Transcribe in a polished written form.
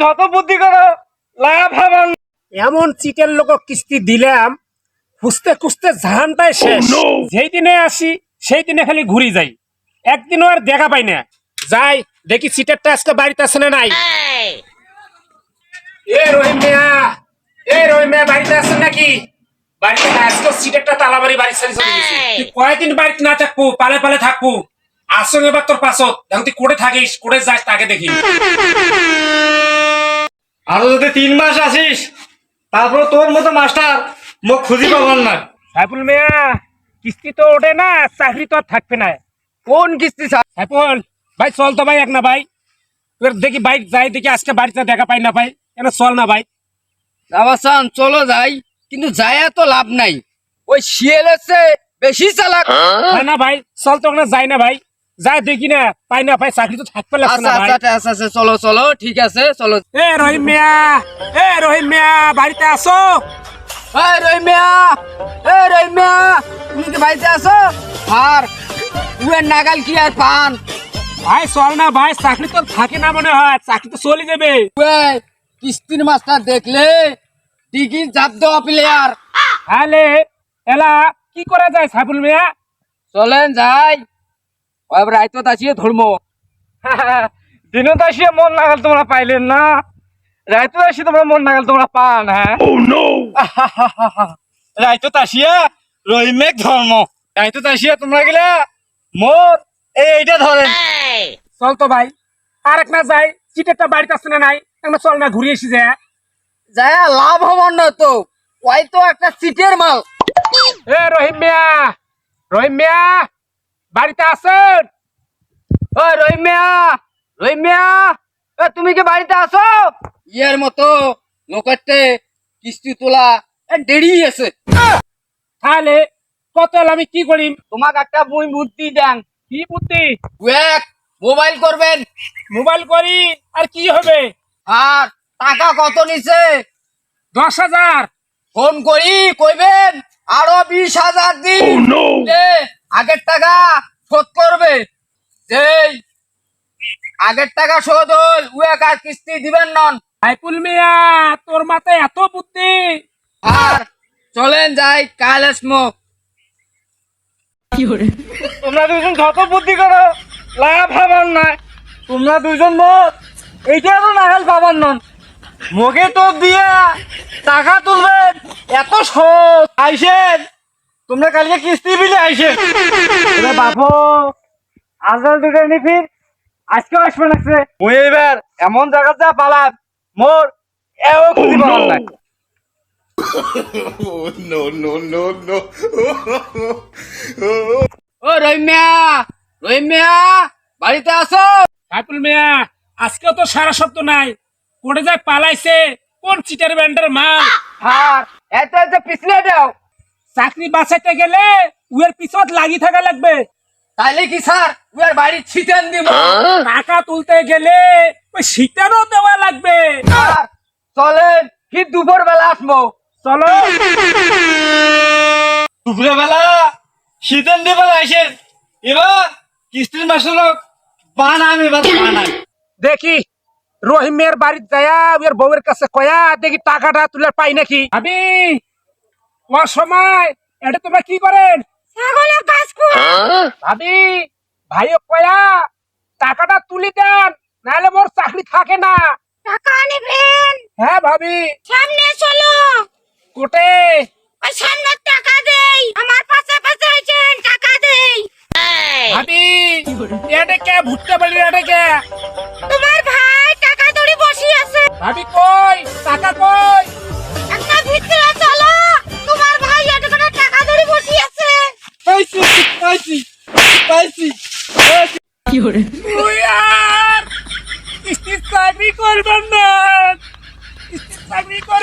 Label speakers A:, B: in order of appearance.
A: যত বুদ্ধি করো লাভ হবে না।
B: এমন চিটের লোক কিস্তি দিলাম, খুঁজতে খুঁজতে জাহানটাই শেষ। যেই দিনে আসি সেই দিনে খালি ঘুরি যাই, একদিনও আর দেখা পাই না। যাই দেখি চিটেরটা আজকে বাড়িতে আছে না নাই। এ রহিম মিয়া, এ রহিম মিয়া বাড়িতে আছেন নাকি? বাড়িতে না, আজকে চিটেরটা তালাবাড়ি বাড়ি ছেড়ে চলে গেছে। তুই কয়দিন বাড়িতে না থাকবো, পালে পালে থাকবো। আসলে এবার তোর পাছত এখন তুই কোটে থাকিস, কোটে যাস তাকে দেখি।
A: আরো যদি 3 মাস আসিস তারপর তোর মতো মাস্টার মুখ খুঁজি পাবার না।
B: সাইফুল মিয়া, কিস্তি তো ওঠে না, চাকরি তো আর থাকবে না।
C: কোন কিস্তি স্যার?
B: সাইফুল ভাই চল তো ভাই, এক না ভাই তোর দেখি বাইক যাই, দেখি আজকে বাড়িতে দেখা পাই না ভাই, কেন চল না ভাই।
C: রাবাসান চলো যাই, কিন্তু যায়া তো লাভ নাই, ওই শিয়াল এসে বেশি চালাক।
B: হয় না ভাই, চল তো ওখানে যাই না ভাই, যাই দেখি না পাই না ভাই, চাকরি তো থাকবে লাগছে
C: আচ্ছা
B: না ভাই।
C: আচ্ছা আচ্ছা আচ্ছা, চলো চলো ঠিক আছে চলো।
B: এ রহিম মিয়া, এ রহিম মিয়া বাড়িতে আসো।
C: এই রহিমিয়া, এ রহিমিয়া, তুমি কি বাড়িতে আছো? আর উয়ের নাগাল কি আর পান?
B: ভাই চল না ভাই, চাকরি তো থাকে না মনে হয়, চাকরি তো চলে যাবে।
C: উয়ে কিস্তির মাস্টার দেখলে ডিগি চাপ দেওয়া প্লেয়ার।
B: তাহলে এলা কি করা যায় সাইফুল মিয়া?
C: চলেন যাই, ওই রাইতো আসিয়ে ধর্ম।
A: দিনত আসিয়া মন নাগাল তোমরা পাইলেন না, রাইতো আসি তোমরা মন নাগাল তোমরা পান। হ্যাঁ রাইতো আসিয়া রহিমেক ধর্ম, রাইতো আসিয়া তোমরা গেলে মোর এইটা ধরেন।
B: চল তো ভাই, আর এক না যাই, চিটেরটা বাড়িতে আসছে না নাই, একটা চল না ঘুরে এসি যায়।
C: যায়া লাভ হবার না তো, ওই তো একটা সিটের মাল।
B: এ রহিম মিয়া, রহিম মিয়া বাড়িতে আছেন?
C: ওই রহিমিয়া, রহিমিয়া, এ তুমি কি বাড়িতে আছো? ইয়ের মতো লোকেরতে কিস্তি তোলা দেরি আছে।
B: তাহলে কত হলো, আমি কি করি?
C: তোমাকে একটা মুই বুদ্ধি দেন।
B: কি বুদ্ধি?
C: ওয়েক মোবাইল করবেন,
B: মোবাইল করি আর কি হবে?
C: আর টাকা কত নিছে
B: 10,000।
C: ফোন করি কইবেন আরো 20,000 দিন। যে আগের টাকা শোধ করবে, যেই আগের টাকা শোধ হল ওয়েক আর কিস্তি দিবেন নন।
B: সাইফুল মিয়া, তোর মাথায় এত বুদ্ধি?
C: আর চলেন যাই কাল এসমো।
A: তোমরা দুজন যত বুদ্ধি করো লাভ হবার না। তোমরা দুজন মোট এইটা তো নাগাল পাবার নন। মোকে তো দিয়া টাকা তুলবেন এত সহজ আইসেন, তোমরা কালকে কিস্তি বিলে আইসেন। বাপু আজকাল দুটো নি ফির আজকেও আসবে লাগছে। ওই এবার এমন জায়গা যা পালাম মোর এও খুঁজি পাবার না।
D: no, no, no, no.
C: ও রহিমিয়া, রহিমিয়া বাড়িতে আসো।
B: সাইফুল মিয়া, আজকেও তো সারা শব্দ নাই, কোটে যায় পালাইছে, কোন চিটার ব্যান্ডের মাল।
C: আর এত এত পিছলে দাও,
B: চাকরি বাঁচাইতে গেলে উয়ের পিছত লাগি থাকা লাগবে।
C: তাইলে কি স্যার উয়ার বাড়ি ছিটেন দিব?
B: টাকা তুলতে গেলে ওই শীতেরও দেওয়া লাগবে।
C: আর চলেন ঠিক দুপুর বেলা আসবো।
B: চলো।
A: দুপুরে বেলা শীতের দিবে আইসেন, এবার কিস্তির মাসের বানাম, এবার বানাম।
B: দেখি রহিমের বাড়িতে যায়া ওর বউয়ের কাছে কয়া দেখি টাকাটা তুলে পাই নাকি। আমি ওর সময় এটা তোমরা কি করেন? ছাগলের কাজ কর। ভাবি ভাইও কয়া টাকাটা তুলি দেন, নাহলে মোর চাকরি থাকে না।
E: টাকা নেবেন?
B: হ্যাঁ ভাবি।
E: সামনে চলো,
B: কোটে?
E: ওই সামনে টাকা দেই, আমার পাশে পাশে আছেন, টাকা দেই।
B: ভাবি এটা কে ভুট্টা বাড়ি, এটা কে?
E: তোমার ভাই টাকা ধরে বসে আছে।
B: ভাবি কই টাকা কই?
E: একটা ভিতরে চলো, তোমার ভাই এত করে টাকা ধরে বসে আছে।
A: পাইছি পাইছি পাইছি।
B: তুই আর কিস্তির চাকরি করবেন না, কিস্তির চাকরি